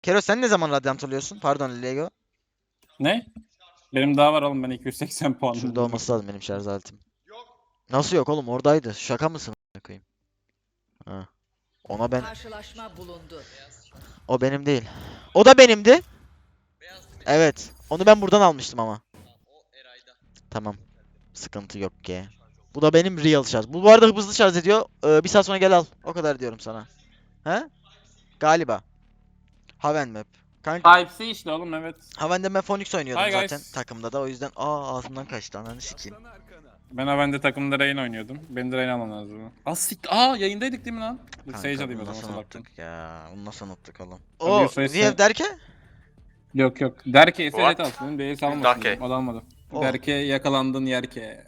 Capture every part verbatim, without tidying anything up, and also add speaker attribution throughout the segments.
Speaker 1: Kero sen ne zaman radyant oluyorsun? Pardon Lego.
Speaker 2: Ne? Benim daha var oğlum, ben iki yüz seksen puanım.
Speaker 1: Şurada olması lazım benim şarj aletim. Nasıl yok oğlum, oradaydı. Şaka mısın a**ına koyayım? Ha. Ona ben...
Speaker 3: Karşılaşma bulundu.
Speaker 1: O benim değil. O da benimdi. Evet. Onu ben buradan almıştım ama. Tamam. Sıkıntı yok ki. Bu da benim real şarj. Bu, bu arada hızlı şarj ediyor. Ee, bir saat sonra gel al. O kadar diyorum sana. He? Galiba. Haven map. Kanka
Speaker 2: Type-C işte oğlum, evet.
Speaker 1: Haven'de ben Phoenix oynuyordum
Speaker 2: Hi
Speaker 1: zaten
Speaker 2: guys.
Speaker 1: takımda da, o yüzden aa ağzımdan kaçtı, ananı sikeyim.
Speaker 2: Ben Aven'de takımda Rain oynuyordum. Beni de Rain alman lazım. Az sik... Aa, yayındaydık değil mi lan? Dur, Sage
Speaker 1: Kanka
Speaker 2: alayım o
Speaker 1: bunu
Speaker 2: zaman,
Speaker 1: nasıl
Speaker 2: nasıl baktım.
Speaker 1: unuttuk ya? Bunu nasıl unuttuk oğlum?
Speaker 2: Abi,
Speaker 1: O
Speaker 2: Yusuf'e
Speaker 1: Riev
Speaker 2: sen-
Speaker 1: derken?
Speaker 2: Yok yok. Derke
Speaker 4: What?
Speaker 2: S L alsın. Benim B'yi salmasın.
Speaker 4: Derke.
Speaker 2: dedim, o da almadı.
Speaker 1: Oh.
Speaker 2: Derke yakalandın yerke.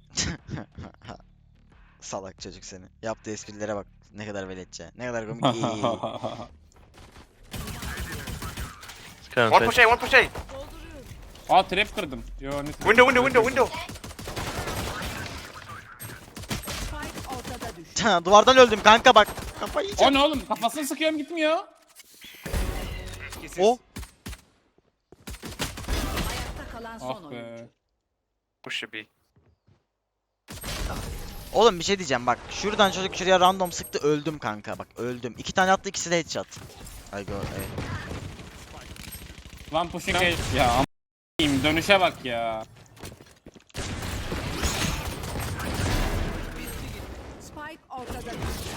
Speaker 1: Salak çocuk seni. Yaptığı esprilere bak. Ne kadar veletçe. Ne kadar komik. İyi.
Speaker 4: One push A, one push A.
Speaker 2: Aa, trap kırdım. Yo, ne
Speaker 4: Window, window, window, window.
Speaker 3: Spike ortada düştü.
Speaker 1: Duvardan öldüm kanka bak. Kafayı
Speaker 2: O
Speaker 1: yiyeceğim.
Speaker 2: ne oğlum? Kafasını sıkıyorum, gitmiyor.
Speaker 1: O.
Speaker 3: Ayakta kalan son
Speaker 2: Ah
Speaker 3: oyuncu.
Speaker 2: be.
Speaker 4: Push A B.
Speaker 1: Oğlum bir şey diyeceğim bak. Şuradan çocuk şuraya random sıktı, öldüm kanka bak, öldüm. İki tane attı, ikisi de headshot. Ay go ay.
Speaker 2: One pushing A. Ya am***yim, dönüşe bak ya.
Speaker 3: Spike ortada düştü.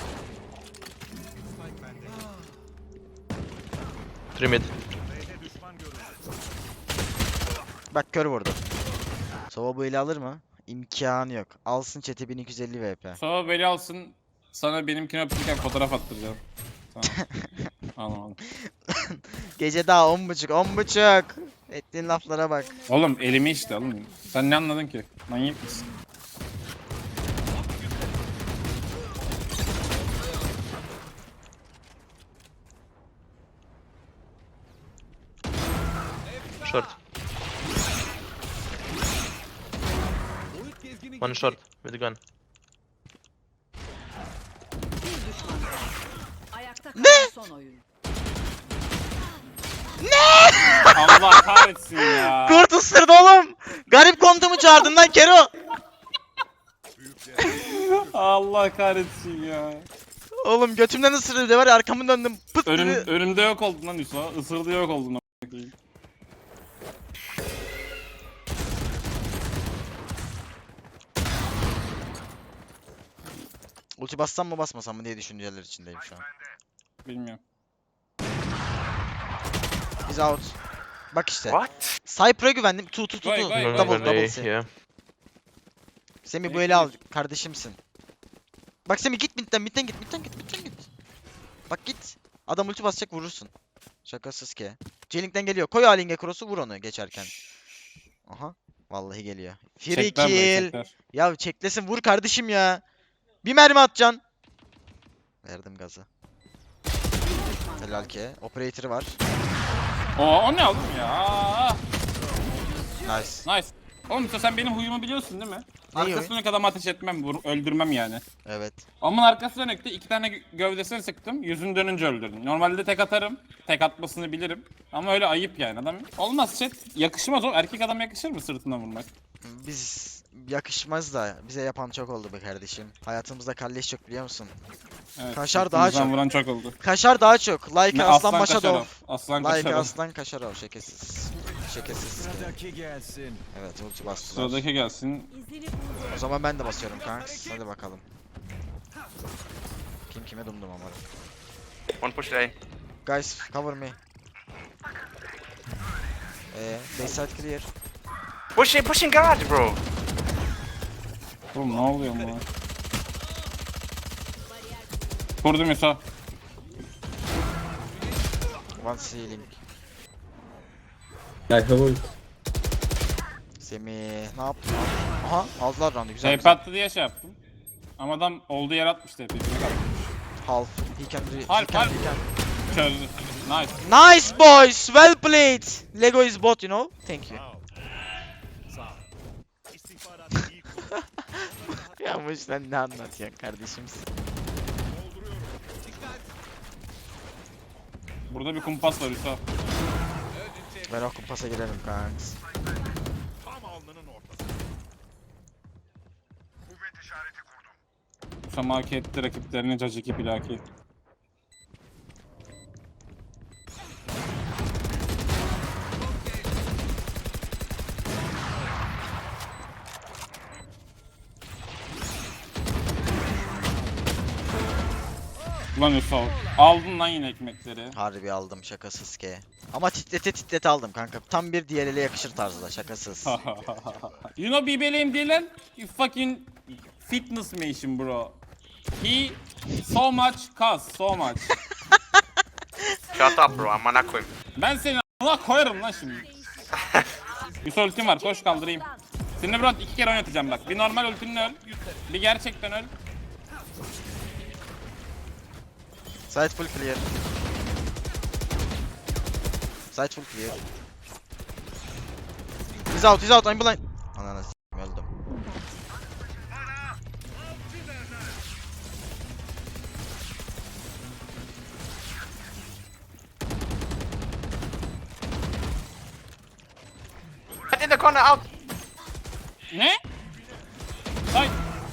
Speaker 4: Three mid.
Speaker 1: Bak kör vurdu. Sova bu eli alır mı? İmkanı yok. Alsın chat'e bin iki yüz elli V P.
Speaker 2: Sonra beni alsın. Sana benimkini öpürken fotoğraf attıracağım. Tamam. Anlamadım.
Speaker 1: Gece daha on buçuk, on buçuk. Ettiğin laflara bak.
Speaker 2: Oğlum elimi işte oğlum. Sen ne anladın ki? Manyak mısın?
Speaker 4: Short. One short with gun.
Speaker 3: Bir düşman kaldı. Ayakta kalan son oyuncu.
Speaker 2: Allah kahretsin ya.
Speaker 1: Kurt ısırdı oğlum. Garip kontumu çağırdın lan Kero.
Speaker 2: Allah kahretsin ya.
Speaker 1: Oğlum götümden ısırdı de var ya, arkamı döndüm. Pıt
Speaker 2: Önüm,
Speaker 1: dedi.
Speaker 2: önümde yok oldun lan Yusuf. Isırdı yok oldun. a**ına koyayım.
Speaker 1: Ulti bassam mı basmasam mı diye düşünceler içindeyim şu an.
Speaker 2: Bilmiyorum.
Speaker 1: Biz out. Bak işte.
Speaker 4: What?
Speaker 1: Cypher'a güvendim. Tu tu tu
Speaker 2: Vay,
Speaker 1: tu.
Speaker 2: vay, vay.
Speaker 1: Double
Speaker 4: One
Speaker 1: double
Speaker 4: A,
Speaker 1: C.
Speaker 4: yeah.
Speaker 1: Semih bu eli al. Kardeşimsin. Bak Semih git midden, midden git, midden git, midden git. Bak git. Adam ulti basacak, vurursun. Şakasız ki. J-Link'ten geliyor. Koy A-Link'e cross'u, vur onu geçerken. Aha. Vallahi geliyor. Free
Speaker 2: Çekler burayı,
Speaker 1: kill.
Speaker 2: çekler.
Speaker 1: Ya çeklesin, vur kardeşim ya. Bir mermi atacaksın. Verdim gazı. Helal ki. Operator'ı var.
Speaker 2: Oo, o ne oğlum ya?
Speaker 1: Nice.
Speaker 2: Nice. Oğlum Yusuf, sen benim huyumu biliyorsun değil mi?
Speaker 1: Neyi
Speaker 2: Arkası
Speaker 1: huy?
Speaker 2: dönük adamı ateş etmem, vur, öldürmem yani.
Speaker 1: Evet.
Speaker 2: Ama arkası dönükte iki tane gö- gövdesini sıktım, yüzünü dönünce öldürdüm. Normalde tek atarım, tek atmasını bilirim. Ama öyle ayıp yani adam. Olmaz chat, yakışmaz o. Erkek adam yakışır mı sırtına vurmak?
Speaker 1: Biz yakışmaz da bize yapan çok oldu be kardeşim. Hayatımızda kalleş çok, biliyor musun?
Speaker 2: Evet,
Speaker 1: Kaşar daha
Speaker 2: sırtımızdan
Speaker 1: çok.
Speaker 2: vuran çok oldu.
Speaker 1: Kaşar daha çok. Like
Speaker 2: Ne,
Speaker 1: Aslan
Speaker 2: Kaşarov.
Speaker 1: Maşadov.
Speaker 2: Aslan
Speaker 1: Like
Speaker 2: Kaşarov.
Speaker 1: Aslan Kaşarov. Şekesiz. Şekesiz.
Speaker 5: Sıradaki gelsin.
Speaker 1: Evet, ulti bastılar.
Speaker 2: Sıradaki gelsin.
Speaker 3: İzini buldu.
Speaker 1: O zaman ben de basıyorum kanks. Hadi bakalım. Kim kime dumdum umarım.
Speaker 4: One push A.
Speaker 1: Guys, cover me. Eee, backside clear.
Speaker 4: Push A, pushing garage, bro.
Speaker 2: Oğlum ne oluyor bu? Kurdum Yusuf.
Speaker 1: One ceiling.
Speaker 6: I have ult.
Speaker 1: Semih, ne yaptın? Aha, aldılar round'u, güzel.
Speaker 2: Şey
Speaker 1: güzel.
Speaker 2: patladı diye şey yaptım. Ama adam olduğu yer atmıştı hep. birbirine kaldı.
Speaker 1: Half. He can, re- he
Speaker 2: Half,
Speaker 1: can,
Speaker 2: half.
Speaker 1: he can.
Speaker 2: Çözdü. Nice.
Speaker 1: Nice boys, well played. Lego is bot, you know. Thank you. Ya bu sen ne anlatıyorsun kardeşimsin?
Speaker 2: Burada bir kumpas var Yusuf.
Speaker 1: Ben o kumpasa girerim kanks.
Speaker 2: Samaki etti rakiplerini caciki pilaki. Ulan Yusuf, aldın lan yine ekmekleri.
Speaker 1: Harbi aldım şakasız ki. Ama titrete titrete aldım kanka. Tam bir D L L'e yakışır tarzda şakasız.
Speaker 2: You know B B L'im Dylan? You fucking fitness machine bro. He so much cuz, so much.
Speaker 4: Shut up, bro. I'm gonna quit.
Speaker 2: Ben seni a**ına koyarım lan şimdi. Yusuf ultim var, koş kaldırayım. Seni bro iki kere oynatacağım bak. Bir normal ultimle öl, bir gerçekten öl.
Speaker 1: Side full clear. Side full clear. He's out, he's out, I'm blind. Ananı s***im öldüm.
Speaker 4: Get in the corner, out.
Speaker 2: Ne? Hay.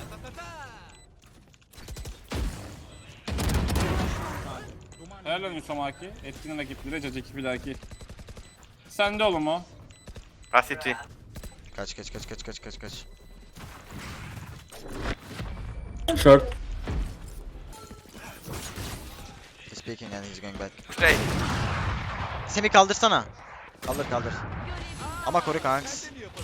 Speaker 2: Helal olsun Samaki. Etkinin rakipleri caciki pilaki. Sende oğlum o.
Speaker 4: Ah, city.
Speaker 1: Kaç kaç kaç kaç kaç kaç kaç.
Speaker 5: Short.
Speaker 1: He's peeking and he's going back.
Speaker 4: Stay.
Speaker 1: Semi kaldırsana. Kaldır kaldır. Ama koru kanks.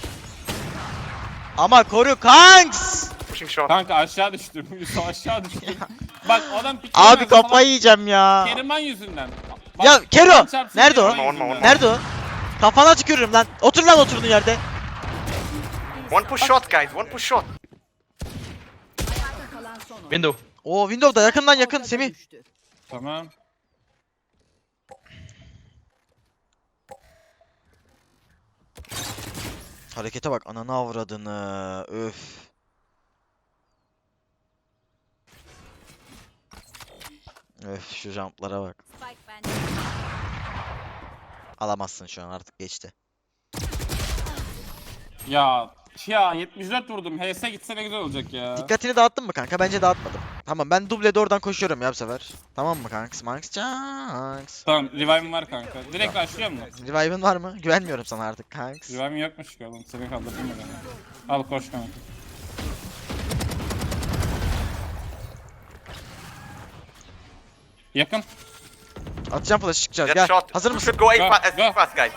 Speaker 1: Ama koru kanks.
Speaker 4: Pushing short.
Speaker 2: Kanka aşağı düştüm. Yusuf aşağı düştüm. Bak adam pikir
Speaker 1: Abi kafayı yiyeceğim ya.
Speaker 2: Keriman yüzünden. Bak,
Speaker 1: Ya Kero!
Speaker 2: Kur'an çarpsın
Speaker 1: Nerede o?
Speaker 2: Keriman yüzünden.
Speaker 1: Nerede o? Kafana tükürürüm lan. Otur lan oturduğun yerde.
Speaker 4: One push short, guys. One push short.
Speaker 3: Ayakta kalan son oyuncu.
Speaker 4: Window.
Speaker 1: Oo Windows'da yakından yakın
Speaker 3: Ortada
Speaker 1: Semih.
Speaker 3: düştü.
Speaker 2: Tamam.
Speaker 1: Harekete bak ananı avradını. Öf. Öf şu jumplara bak.
Speaker 3: Spike bende.
Speaker 1: Alamazsın şu an artık geçti.
Speaker 2: Ya ya yetmiş dört vurdum. H S gitse ne güzel olacak ya.
Speaker 1: Dikkatini dağıttın mı kanka? Bence dağıtmadım. Tamam ben dublede oradan koşuyorum ya bu sefer. Tamam mı kanks? Manks Chanks.
Speaker 2: Tamam revive'im var kanka. Direkt başlıyor mu?
Speaker 1: Revive'ın var mı? Güvenmiyorum sana artık kanks.
Speaker 2: Revive'im yokmuş ki oğlum. Seni kaldırdım mı beni? Al koş kanka. Yakın.
Speaker 1: Atacağım flash çıkacağız.
Speaker 4: Get
Speaker 1: Gel.
Speaker 4: shot.
Speaker 1: Hazır
Speaker 4: You
Speaker 1: mısın?
Speaker 4: should go A
Speaker 2: Go,
Speaker 4: fast,
Speaker 2: go.
Speaker 4: as fast, guys.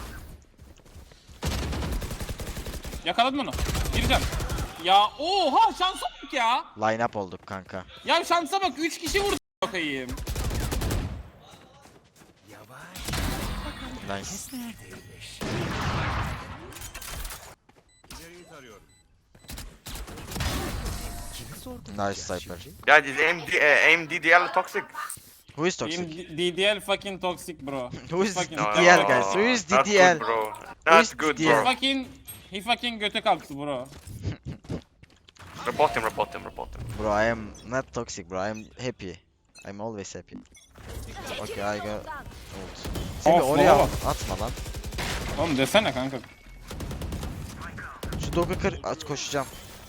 Speaker 2: Yakaladım onu. Gireceğim. Ya oha şansa bak ya.
Speaker 1: Line up olduk kanka.
Speaker 2: Ya şansa bak üç kişi vurdu bakayım.
Speaker 1: Nice. Nice sniper.
Speaker 4: Guys, is A M D, uh, A M D D L toxic?
Speaker 1: Who is
Speaker 2: Benim
Speaker 1: toxic?
Speaker 2: D D L fucking toxic bro.
Speaker 1: Who is
Speaker 2: Fucking
Speaker 1: D D L
Speaker 2: toxic.
Speaker 1: guys? Who is
Speaker 4: Not
Speaker 1: D D L?
Speaker 4: good, bro.
Speaker 1: Who is
Speaker 4: Not good,
Speaker 1: D D L?
Speaker 4: bro.
Speaker 2: Fucking he fucking göte kalktı bro.
Speaker 4: Report him, report him, report him.
Speaker 1: Bro, I am not toxic bro. I am happy. I'm always happy. Okay, I go. Ult. Seni
Speaker 2: Of,
Speaker 1: oraya
Speaker 2: of.
Speaker 1: atma lan.
Speaker 2: Oğlum desene kanka.
Speaker 1: Şu dog'u kır, at koşacağım.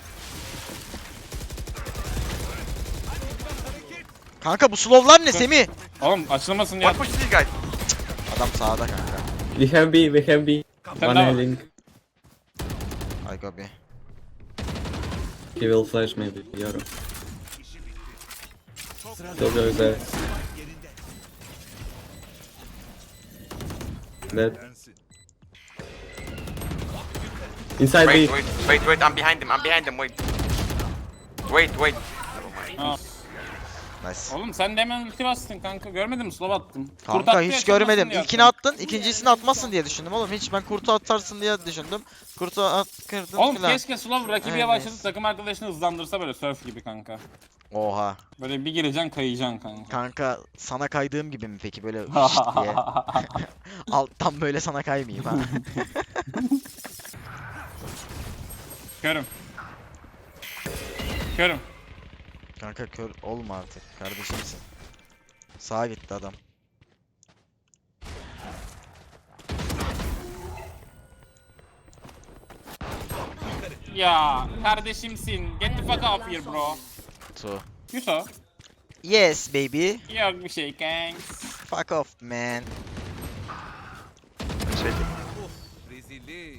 Speaker 1: Kanka bu slow'lar ne Semih?
Speaker 2: Oğlum açılmasın diye.
Speaker 4: One push these guys.
Speaker 1: Adam sağda kanka.
Speaker 5: We have B, we have B.
Speaker 2: Sen
Speaker 5: One
Speaker 2: de var.
Speaker 5: healing.
Speaker 1: I go B.
Speaker 5: He will flash maybe. Yoro. Killjoy is there. Dead. Inside
Speaker 4: Wait,
Speaker 5: B.
Speaker 4: wait, wait, wait. I'm behind him. I'm behind him. Wait. Wait, wait.
Speaker 2: Ha.
Speaker 1: Nice.
Speaker 2: Oğlum sen de hemen ulti bastın kanka. Görmedin mi? Slow attım. Kurt
Speaker 1: Kanka
Speaker 2: attı,
Speaker 1: hiç
Speaker 2: açılmasın
Speaker 1: görmedim.
Speaker 2: diye
Speaker 1: İlkini
Speaker 2: attım.
Speaker 1: attın, ikincisini atmazsın diye düşündüm oğlum. Hiç ben kurtu atarsın diye düşündüm. Kurtu at kırdın
Speaker 2: Oğlum
Speaker 1: filan.
Speaker 2: keşke Slow rakibi
Speaker 1: Evet.
Speaker 2: yavaşlatıp takım arkadaşını hızlandırsa böyle surf gibi kanka.
Speaker 1: Oha.
Speaker 2: Böyle bir gireceksin kayacaksın kanka.
Speaker 1: Kanka sana kaydığım gibi mi peki böyle şşt diye. Alttan böyle sana kaymayayım ha.
Speaker 2: Körüm. Körüm.
Speaker 1: Kanka kör olma artık kardeşimsin. Sağa gitti adam.
Speaker 2: Ya kardeşimsin. Get the fuck off here bro.
Speaker 1: Two.
Speaker 2: Yusuf.
Speaker 1: Yes baby.
Speaker 2: Yok bir şey kanks.
Speaker 1: Fuck off man.
Speaker 6: Rezillik.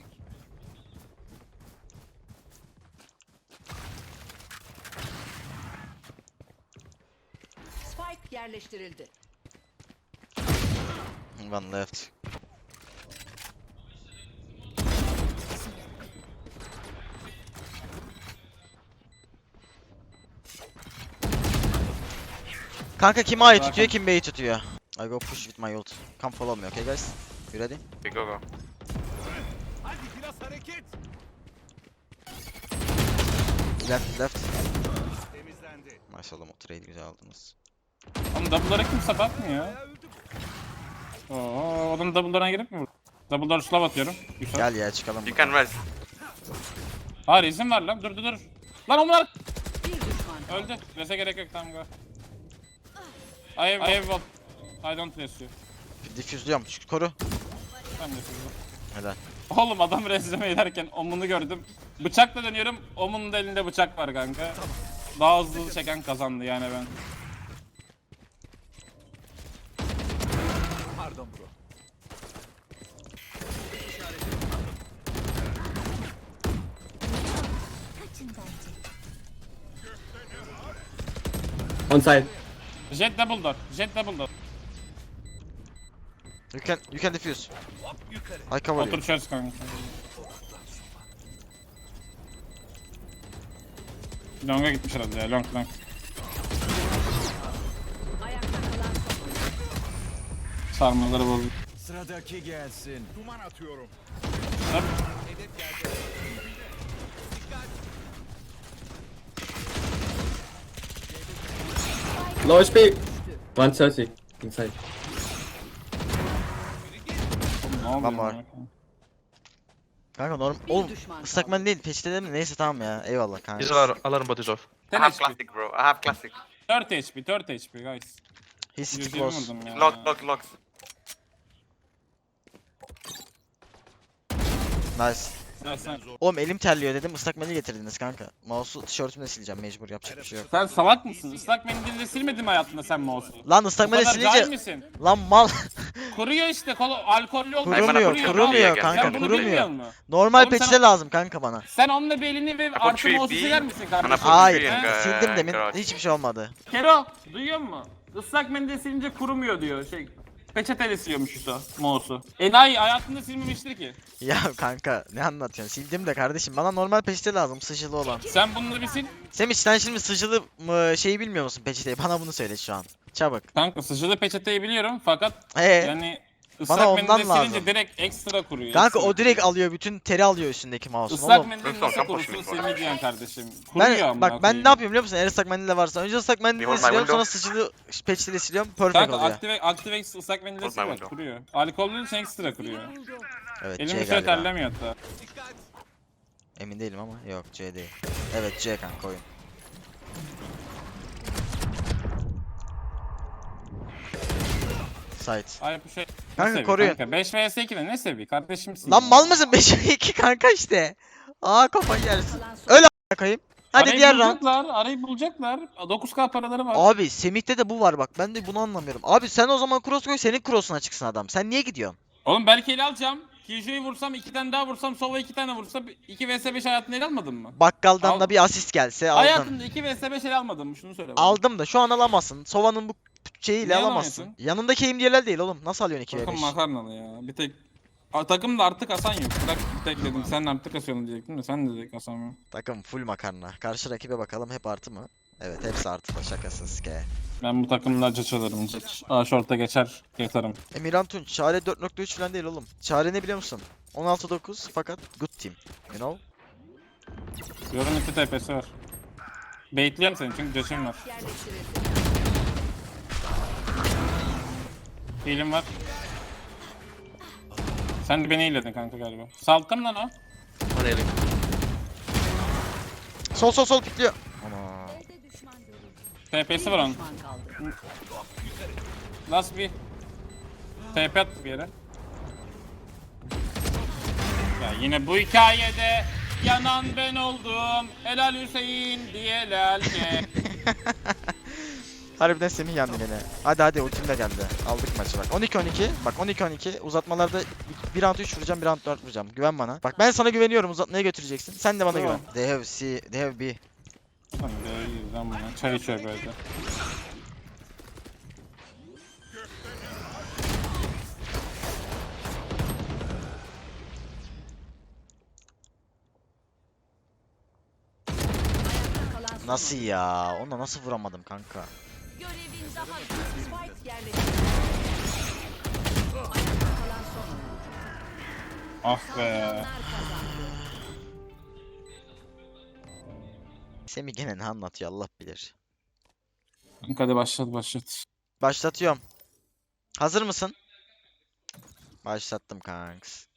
Speaker 3: Spike yerleştirildi.
Speaker 1: One left. Kanka kim A'yı
Speaker 2: Zaten-
Speaker 1: tutuyor, kim B'yi tutuyor? I go push with my ult. Come follow me, okay guys? You ready?
Speaker 4: We go go.
Speaker 6: Hadi biraz hareket.
Speaker 1: Left, left.
Speaker 6: Temizlendi.
Speaker 1: Nice oğlum, o trade güzel aldınız.
Speaker 2: Oğlum double'lara kimse bakmıyor.
Speaker 6: Ya öldü.
Speaker 2: Oo, adam double'lara girip mi vurdu? Double'lara slav atıyorum. Yusuf.
Speaker 1: Gel ya çıkalım.
Speaker 4: You can res.
Speaker 2: Hayır izin ver lan. Dur dur dur. Lan onlar
Speaker 3: Bir düşman kaldı.
Speaker 2: öldü. Rese gerek yok tamam go. I have, I have what? I don't res you.
Speaker 1: Diffuse'luyorum, şu koru.
Speaker 2: Ben de yapıyorum.
Speaker 1: Helal.
Speaker 2: Oğlum adam resleme ederken omunu gördüm. Bıçakla dönüyorum. Omunun da elinde bıçak var kanka. Daha hızlı çeken kazandı yani ben.
Speaker 6: Pardon bro.
Speaker 5: On side.
Speaker 2: Jet double door. Jet double door.
Speaker 1: You can, you can diffuse.
Speaker 6: Hop yukarı.
Speaker 1: I cover you.
Speaker 2: Otur çöz kanka. Long'a gitmiş herhalde ya. Long long.
Speaker 3: Ayakta kalan son.
Speaker 2: Sarmaları bozdu.
Speaker 6: Sıradaki gelsin. Duman atıyorum.
Speaker 2: Hop.
Speaker 6: Hedef geldi.
Speaker 5: Low H P. one thirty. Inside.
Speaker 2: Ne oluyor?
Speaker 1: Lan var.
Speaker 2: ya?
Speaker 1: Kanka normal.
Speaker 3: Bir
Speaker 1: Oğlum
Speaker 3: düşman
Speaker 1: ıslak
Speaker 3: kaldı.
Speaker 1: mendil değil, peçete değil mi? Neyse tamam ya. Eyvallah kanka.
Speaker 7: These are alarm bodies off.
Speaker 4: I
Speaker 2: ten
Speaker 4: have
Speaker 2: H P.
Speaker 4: classic, bro. I have classic.
Speaker 2: dört H P. dört H P guys.
Speaker 1: He's city
Speaker 2: yüz yirmi
Speaker 1: close.
Speaker 2: vurdum ya.
Speaker 4: Lock, lock, lock.
Speaker 1: Nice.
Speaker 2: Ya sen,
Speaker 1: Oğlum elim terliyor dedim, ıslak mendil getirdiniz kanka. Mouse'u tişörtümle sileceğim mecbur, yapacak bir şey yok.
Speaker 2: sen salak mısın? Islak mendille silmedin mi hayatında sen mouse'u?
Speaker 1: Lan ıslak
Speaker 2: Bu
Speaker 1: mendil
Speaker 2: kadar cahil
Speaker 1: silince...
Speaker 2: misin?
Speaker 1: Lan mal.
Speaker 2: Kuruyor işte. Kolu, alkollü olmuyor.
Speaker 1: Kurumuyor,
Speaker 4: Kuruyor,
Speaker 1: kurumuyor
Speaker 4: kuruyor.
Speaker 1: kanka,
Speaker 2: Sen bunu bilmiyor
Speaker 1: kurumuyor.
Speaker 2: musun?
Speaker 1: Normal
Speaker 2: Oğlum sen-
Speaker 1: peçete lazım kanka bana.
Speaker 2: Sen onunla belini ve
Speaker 4: put
Speaker 2: artı
Speaker 4: three
Speaker 2: mouse'u
Speaker 4: B,
Speaker 2: siler misin
Speaker 4: and I
Speaker 2: kardeşim?
Speaker 4: put
Speaker 1: Hayır,
Speaker 4: three in, uh,
Speaker 1: sildim demin,
Speaker 4: garage.
Speaker 1: hiçbir şey olmadı.
Speaker 2: Kero, duyuyor musun? Islak mendil silince kurumuyor diyor. Şey, peçeteyle siliyormuş Hüso, mouse'u. Enayi hayatında silmemiştir ki.
Speaker 1: Ya kanka ne anlatıyorsun? Sildim de kardeşim, bana normal peçete lazım, sıcılı olan.
Speaker 2: Sen bunları bir sil.
Speaker 1: Semih sen şimdi sıcılı mı şeyi bilmiyor musun peçeteyi? Bana bunu söyle şu an. Çabuk.
Speaker 2: Kanka sıcılı peçeteyi biliyorum fakat
Speaker 1: Ee,
Speaker 2: yani ıslak
Speaker 1: bana
Speaker 2: mendille
Speaker 1: ondan
Speaker 2: silince
Speaker 1: lazım.
Speaker 2: direkt ekstra kuruyor.
Speaker 1: kanka
Speaker 2: ekstra
Speaker 1: o direkt
Speaker 2: kuruyor.
Speaker 1: alıyor, bütün teri alıyor üstündeki mouse'un
Speaker 2: Islak
Speaker 1: oğlum.
Speaker 2: mendil
Speaker 4: Lütfen,
Speaker 2: nasıl
Speaker 4: sen
Speaker 2: kurusun
Speaker 4: boş ver.
Speaker 2: silmeyeceksin kardeşim. Kuruyor
Speaker 1: Ben
Speaker 2: amına
Speaker 1: bak ben
Speaker 2: koyayım.
Speaker 1: ne yapıyorum biliyor musun? Eğer ıslak mendil de varsa önce ıslak mendille
Speaker 4: Behold my
Speaker 1: siliyorum, sonra
Speaker 4: window.
Speaker 1: sıcılı peçeteyle siliyorum, perfect
Speaker 2: Kanka
Speaker 1: oluyor.
Speaker 2: Active, Active ıslak mendil
Speaker 4: Hold my
Speaker 2: sil bak
Speaker 4: window.
Speaker 2: kuruyor. Alkollü için ekstra kuruyor.
Speaker 1: Evet
Speaker 2: Elim
Speaker 1: C
Speaker 2: bir süre
Speaker 1: galiba.
Speaker 2: terlemiyor hatta.
Speaker 1: Emin değilim ama yok C değil. Evet C kanka oyun. Site.
Speaker 2: Ay bu şey.
Speaker 1: Kanka,
Speaker 2: ne seviye
Speaker 1: koruyun.
Speaker 2: Kanka beş vs ikide ne seviye kardeşimsin.
Speaker 1: Lan
Speaker 2: ya.
Speaker 1: mal mısın? beş iki kanka işte. Aa kafayı yersin.
Speaker 3: Kalan son.
Speaker 1: Öl a**a koyayım. Hadi
Speaker 2: Arayı
Speaker 1: diğer round.
Speaker 2: bulacaklar, arayı bulacaklar. dokuz K paraları var.
Speaker 1: Abi Semih'te de bu var bak, ben de bunu anlamıyorum. Abi sen o zaman cross koy, senin cross'una çıksın adam. Sen niye gidiyorsun?
Speaker 2: Oğlum belki ele alacağım. Kijo'yu vursam, iki tane daha vursam, Sova iki tane vursa iki vs beş hayatında ele almadın mı?
Speaker 1: Bakkaldan
Speaker 2: Al-
Speaker 1: da bir asist gelse aldın.
Speaker 2: Hayatında iki vs beş ele almadın mı? Şunu söyle bana.
Speaker 1: Aldım da şu an alamazsın. Sova'nın bu şeyiyle
Speaker 2: Niye
Speaker 1: alamazsın.
Speaker 2: alamıyorsun?
Speaker 1: Yanındaki aim değil oğlum. Nasıl alıyorsun iki ve
Speaker 2: Takım
Speaker 1: beş?
Speaker 2: makarnalı ya. Bir tek A, takımda artık asan yok. Bırak bir tek dedim. Sen artık asıyorsun diyecektim de sen de dedik asamıyor.
Speaker 1: Takım full makarna. Karşı rakibe bakalım, hep artı mı? Evet hepsi artı da, şakasız ke.
Speaker 2: Ben bu takımda caç alırım. Caç. A short'a geçer yatarım.
Speaker 1: Emirhan Tunç, Çare dört nokta üç falan değil oğlum. Çare ne biliyor musun? on altı dokuz fakat good team. You know?
Speaker 2: Yorun iki T P'si var. Baitliyorum seni çünkü caçım var.
Speaker 3: Yerleştirildi.
Speaker 2: Healim var. Sen de beni healedin kanka galiba. Salttım lan o.
Speaker 7: One ailing.
Speaker 1: Sol sol sol pikliyor. Ana.
Speaker 2: T P'si var onun.
Speaker 3: Düşman kaldı.
Speaker 2: Last bir. T P attı bir yere. Ya yine bu hikayede Yanan ben oldum. Helal Hüseyin diye lelke.
Speaker 1: Harbiden Semih yandı gene. Hadi hadi ultim de geldi. Aldık maçı bak. on iki on iki. Bak on iki on iki. Uzatmalarda bir round üç vuracağım, bir round dört vuracağım. Güven bana. Bak ben sana güveniyorum. Uzatmaya götüreceksin. Sen de bana
Speaker 2: Tamam.
Speaker 1: güven. They have C, they have B.
Speaker 2: Hadi iyiyiz lan buna. Çay içiyor böyle.
Speaker 3: Ayakta kalan son
Speaker 1: Nasıl
Speaker 3: oyuncu.
Speaker 1: ya? Ona nasıl vuramadım kanka?
Speaker 3: Görevin daha bitmedi. Spike yerleştirildi. Ayakta kalan son oyuncu.
Speaker 2: Ah be.
Speaker 3: Saldıranlar kazandı.
Speaker 1: Semih gene ne anlatıyor Allah bilir.
Speaker 2: Hadi başlat başlat.
Speaker 1: Başlatıyorum. Hazır mısın? Başlattım kanks.